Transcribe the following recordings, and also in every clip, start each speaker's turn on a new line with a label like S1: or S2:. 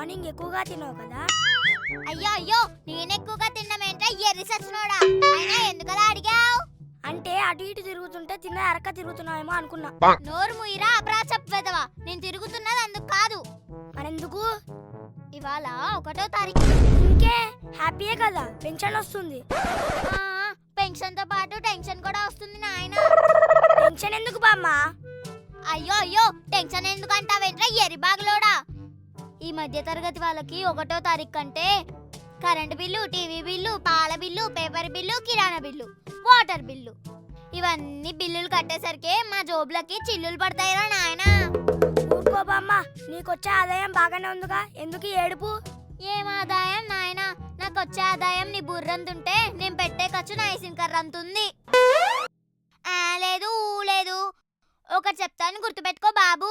S1: Morning ఎక్కువగా తిన్నావు కదా.
S2: అయ్యో అయ్యో నేనెక్కువగా తిన్నమేంట్రా ఎర్రి సచ్చినోడా. అయినా ఎందుకలా అడిగావు?
S1: అంటే అటు ఇటు తిరుగుతుంటే తిన్న అరక్క తిరుగుతున్నావేమో అనుకున్నా.
S2: నోరు ముయిరా అబ్రా చెప్పేదవా. నేను తిరుగుతున్నది అందుకు కాదు.
S1: మరెందుకు?
S2: ఇవాళ 1వ తారీఖు.
S1: ఇంకే హ్యాపీయే కదా, పెన్షన్ వస్తుంది.
S2: పెన్షన్ తో పాటు టెన్షన్ కూడా వస్తుంది నాయన.
S1: టెన్షన్ ఎందుకు బామ్మ?
S2: అయ్యో అయ్యో టెన్షన్ ఎందుకు అంటావేంట్రా ఎర్రి బాగులోడా. ఈ మధ్య తరగతి వాళ్ళకి 1వ తారీఖు కంటే కరెంటు బిల్లు, టీవీ బిల్లు, పాల బిల్లు, పేపర్ బిల్లు, కిరాణా బిల్లు, వాటర్ బిల్లు ఇవన్నీ బిల్లులు కట్టేసరికి మా జోబులకి చిల్లులు పడతాయిరా నాయన.
S1: ఊరుకో బామ్మ, నీకొచ్చే ఆదాయం బాగానే ఉందిగా, ఎందుకు ఏడుపు?
S2: ఏం ఆదాయం నాయన? నాకు వచ్చే ఆదాయం నీ బుర్రంతుంటే నేను పెట్టే ఖర్చు నా ఐసిన్కర్రంతుంది. లేదు లేదు, ఒకటి చెప్తాను గుర్తుపెట్టుకో బాబు.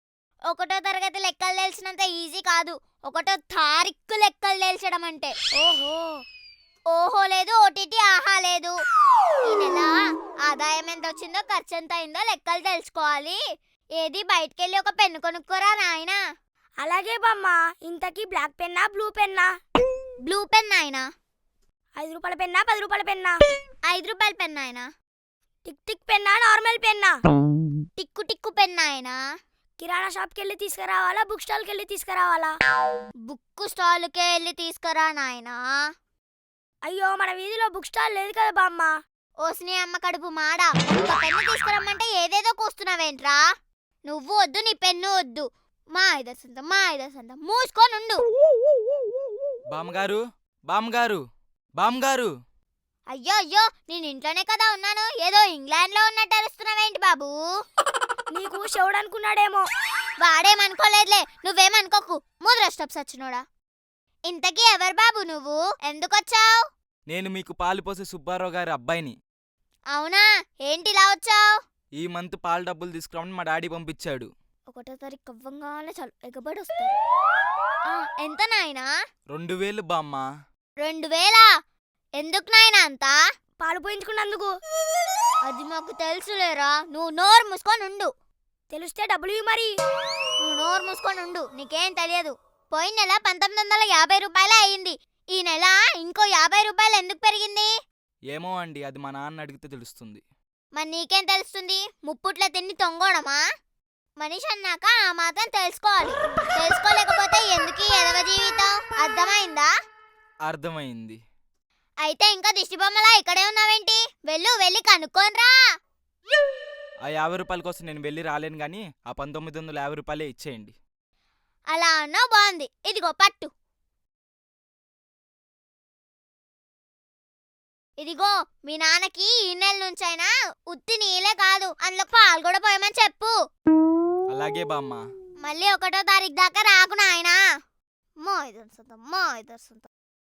S2: 1వ తరగతి లెక్కలు తెలిసినంత ఈజీ కాదు 1వ తారీఖు లెక్కలు తెలిసడం అంటే.
S1: ఓహో
S2: ఓహో లేదు, ఓటీటీ ఆహా లేదు. ఈ నెల ఆదాయం ఎంత వచ్చిందో ఖర్చు ఎంత అయిందో లెక్కలు తెలుసుకోవాలి. ఏది బయటకెళ్ళి ఒక పెన్ను కొనుక్కోరా నాయనా.
S1: అలాగే బామ్మ. ఇంతకీ బ్లాక్ పెన్నా బ్లూ పెన్నా?
S2: బ్లూ పెన్ నాయనా.
S1: 5 రూపాయల పెన్నా 10 రూపాయల పెన్నా?
S2: 5 రూపాయల పెన్ నాయనా.
S1: టిక్ టిక్ పెన్నా నార్మల్ పెన్నా?
S2: టిక్కు టిక్కు పెన్ నాయనా.
S1: కిరాణా షాప్కి వెళ్ళి తీసుకురావాలా, బుక్ స్టాల్కి వెళ్ళి తీసుకురావాలా?
S2: బుక్ స్టాల్కే వెళ్ళి తీసుకురా నాయనా.
S1: అయ్యో మన వీధిలో బుక్ స్టాల్ లేదు కదా బామ్మ.
S2: ఓసిని అమ్మ కడుపు మాడా, ఒక పెన్ను తీసుకురమ్మంటే ఏదేదో కోస్తున్నావేంట్రా. నువ్వు వద్దు, నీ పెన్ను వద్దు. మా ఇదర్సంత మూసుకోనుండు.
S3: బామ్మగారు బామ్మగారు బామ్మగారు.
S2: అయ్యో అయ్యో నేను ఇంట్లోనే కదా ఉన్నాను, ఏదో ఇంగ్లాండ్ లో ఉన్నట్టు అరుస్తున్నావేంటి బాబు?
S1: నీకు శివుడు అనుకున్నాడేమో.
S2: వాడేమనుకోలేదులే, నువ్వేమనుకోకు. ముద్రష్టప్ సచ్చినోడా. ఇంతకీ ఎవరు బాబు నువ్వు? ఎందుకొచ్చావు?
S3: నేను మీకు పాలు పోసే సుబ్బారావు గారి అబ్బాయిని.
S2: అవునా, ఏంటి ఇలా వచ్చావు?
S3: ఈ మంత్ పాలు డబ్బులు తీసుకురామని మా డాడీ పంపించాడు.
S2: 1వ తారీఖు అవ్వంగానే చాలు ఎగబడి వస్తారు. ఎంత నాయనా?
S3: 2000 బామ్మ.
S2: 2000? ఎందుకు నాయనా అంతా?
S1: పాలు పోయించుకున్నందుకు.
S2: అది మాకు తెలుసులేరా, నువ్వు నోరు మూసుకొని ఉండు.
S1: తెలిస్తే డబ్బులు మరి.
S2: నువ్వు నోరు మూసుకొని ఉండు, నీకేం తెలియదు. పోయిన నెల 1950 రూపాయలే అయ్యింది. ఈ నెల ఇంకో 50 రూపాయలు ఎందుకు పెరిగింది?
S3: ఏమో అండి, అది మా నాన్న అడిగితే తెలుస్తుంది.
S2: మరి నీకేం తెలుస్తుంది? ముప్పుట్ల తిండి తొంగోడమా? మనిషి అన్నాక ఆ మాత్రం తెలుసుకోవాలి. తెలుసుకోలేకపోతే ఎందుకు ఎదవ జీవితం? అర్థమైందా?
S3: అర్థమైంది.
S2: అయితే ఇంకా దిష్టి బొమ్మలా ఇక్కడే ఉన్నావేంటి? వెళ్ళి కనుక్కోనరా.
S3: ఆ 50 రూపాయల కోసం నేను వెళ్ళి రాలేను గాని ఆ 1950 రూపాయలే ఇచ్చేయండి.
S2: అలా అన్నావు, బాగుంది. ఇదిగో పట్టు. ఇదిగో మీ నాన్నకి ఈ నెల నుంచైనా ఉత్తి నీళ్ళే కాదు అందులో పాలు కూడా పోయమని చెప్పు.
S3: అలాగే బామ్మ.
S2: మళ్ళీ 1వ తారీఖు దాకా రాకు నాయనా. మా ఇదర్సంత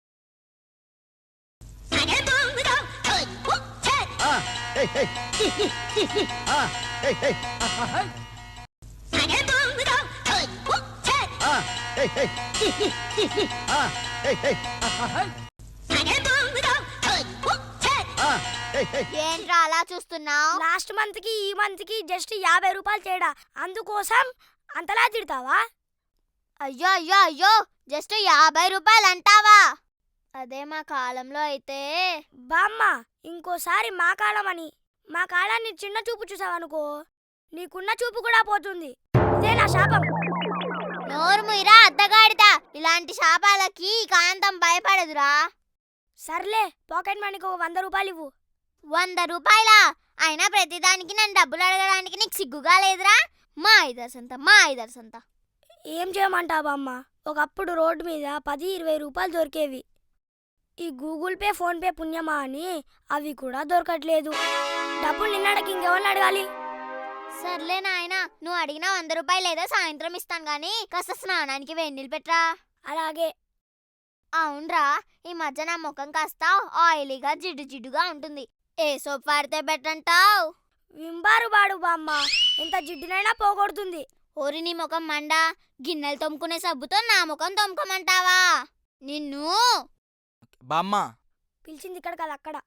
S2: ఏంట్రా అలా చూస్తున్నావు?
S1: లాస్ట్ మంత్ కి ఈ మంత్ కి జస్ట్ 50 రూపాయలు తేడా, అందుకోసం అంతలా తిడతావా?
S2: అయ్యో అయ్యో అయ్యో, జస్ట్ 50 రూపాయలు అంటావా? అదే మా కాలంలో అయితే.
S1: బామ్మ, ఇంకోసారి మా కాలం అని మా కాలాన్ని చిన్న చూపు చూసావనుకో, నీకున్న చూపు కూడా పోతుంది. ఇదే నా శాపం.
S2: నోరు ముయిరా అద్దగాడిదా. ఇలాంటి శాపాలకి కాంతం భయపడదురా.
S1: సర్లే, పాకెట్ మనీకి 100 రూపాయలు ఇవ్వు.
S2: 100 రూపాయలా? అయినా ప్రతిదానికి నన్ను డబ్బులు అడగడానికి నీకు సిగ్గుగా లేదురా? మా ఇదర్సంత.
S1: ఏం చేయమంటావు బామ్మ? ఒకప్పుడు రోడ్డు మీద 10-20 రూపాయలు దొరికేవి. ఈ గూగుల్ పే, ఫోన్ పే పుణ్యమా అని అవి కూడా దొరకట్లేదు. డబ్బులు నిన్నడకి ఇంకెవరిని అడగాలి?
S2: సర్లే నాయనా, నువ్వు అడిగిన 100 రూపాయలు ఏదో సాయంత్రం ఇస్తాను గానీ కాస్త స్నానానికి వేడినీళ్ళు పెట్టరా.
S1: అలాగే.
S2: అవునరా, ఈ మధ్య నా ముఖం కాస్త ఆయిలీగా జిడ్డుగా ఉంటుంది. ఏ సోప్ వాడితే బెటర్ అంటావు?
S1: వింబారు బాడు బామ్మ, ఎంత జిడ్డునైనా పోగొడుతుంది.
S2: ఓరి నీ ముఖం మండ, గిన్నెలు తోముకునే సబ్బుతో నా ముఖం తోముకోమంటావా? నిన్ను.
S3: బామ్మ
S1: పిలిచింది ఇక్కడ కాదు, అక్కడ.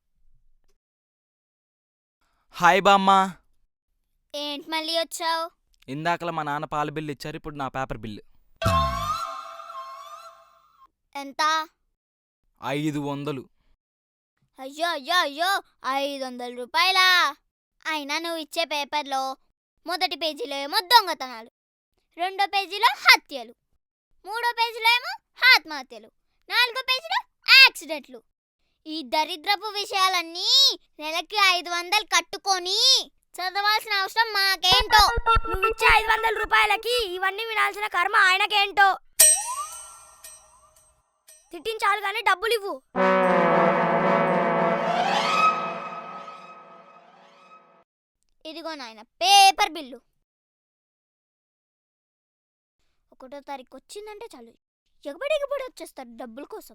S3: హాయ్ బామ్మ.
S2: ఏంటి మళ్ళీ వచ్చావు?
S3: ఇందాకలా మా నాన్న పాల బిల్లు ఇచ్చారు, ఇప్పుడు నా పేపర్ బిల్లు.
S2: ఎంత?
S3: 500.
S2: అయ్యో అయ్యో అయ్యో 500 రూపాయలా? అయినా నువ్వు ఇచ్చే పేపర్లో మొదటి పేజీలో ఏమో దొంగతనాలు, రెండో పేజీలో హత్యలు, మూడో పేజీలో ఏమో ఆత్మహత్యలు, నాలుగో పేజీలో యాక్సిడెంట్లు. ఈ దరిద్రపు విషయాలన్నీ నెలకి 500 కట్టుకొని చదవాల్సిన అవసరం మాకేంటో.
S1: నువ్వు ఇచ్చే 500 రూపాయలకి ఇవన్నీ వినాల్సిన కర్మ ఆయనకేంటో. తిట్టించాలి కానీ డబ్బులు ఇవ్వు.
S2: ఇదిగో నాయన పేపర్ బిల్లు. 1వ తారీఖు వచ్చిందంటే చాలు ఎగబడి వచ్చేస్తాడు డబ్బుల కోసం.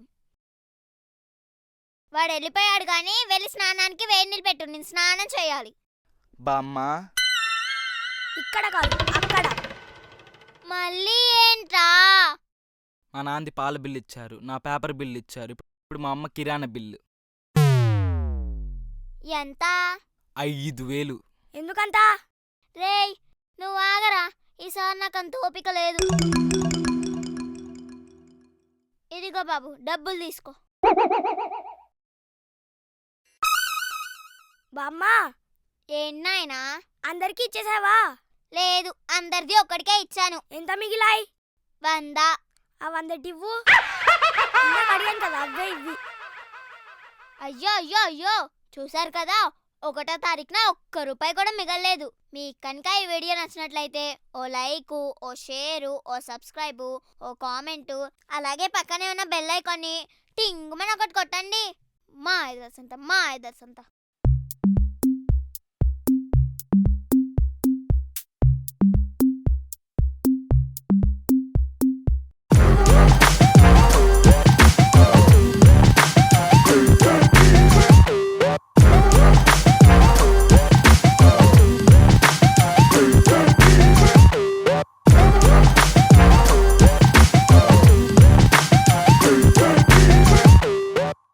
S2: వాడు వెళ్ళిపోయాడు కానీ వెళ్ళి స్నానానికి వేడి నీళ్ళు పెట్టు, నేను స్నానం చేయాలి.
S3: బామ్మ,
S1: ఇక్కడ కాదు అక్కడ.
S2: మళ్ళీ ఏంట్రా?
S3: మా నాన్నది పాల బిల్లు ఇచ్చారు, నా పేపర్ బిల్లు ఇచ్చారు, ఇప్పుడు మా అమ్మ కిరాణా బిల్లు
S2: ఎంత?
S3: 5000.
S1: ఎందుకంత?
S2: రేయ్ నువ్వు ఆగరా, ఈసారి నాకు అంత ఓపిక లేదు. ఇదిగో బాబు డబ్బులు తీసుకో.
S1: బామ్మ,
S2: ఏంటైనా?
S1: అందరికీ ఇచ్చేసావా?
S2: లేదు, అందరిది ఒక్కడికే ఇచ్చాను.
S1: ఎంత మిగిలాయి?
S2: 100.
S1: ఆ 100 ఇవ్వు. ఇందాక అడిగాను కదా, అవే ఇవ్వి.
S2: అయ్యో అయ్యో అయ్యో, చూసారు కదా 1వ తారీఖున ఒక్క రూపాయి కూడా మిగలలేదు. మీకు కనుక ఈ వీడియో నచ్చినట్లయితే ఓ లైక్, ఓ షేరు, ఓ సబ్స్క్రైబు, ఓ కామెంటు, అలాగే పక్కనే ఉన్న బెల్ ఐకాన్ని టింగుమని ఒకటి కొట్టండి. మా ఐదర్సంత.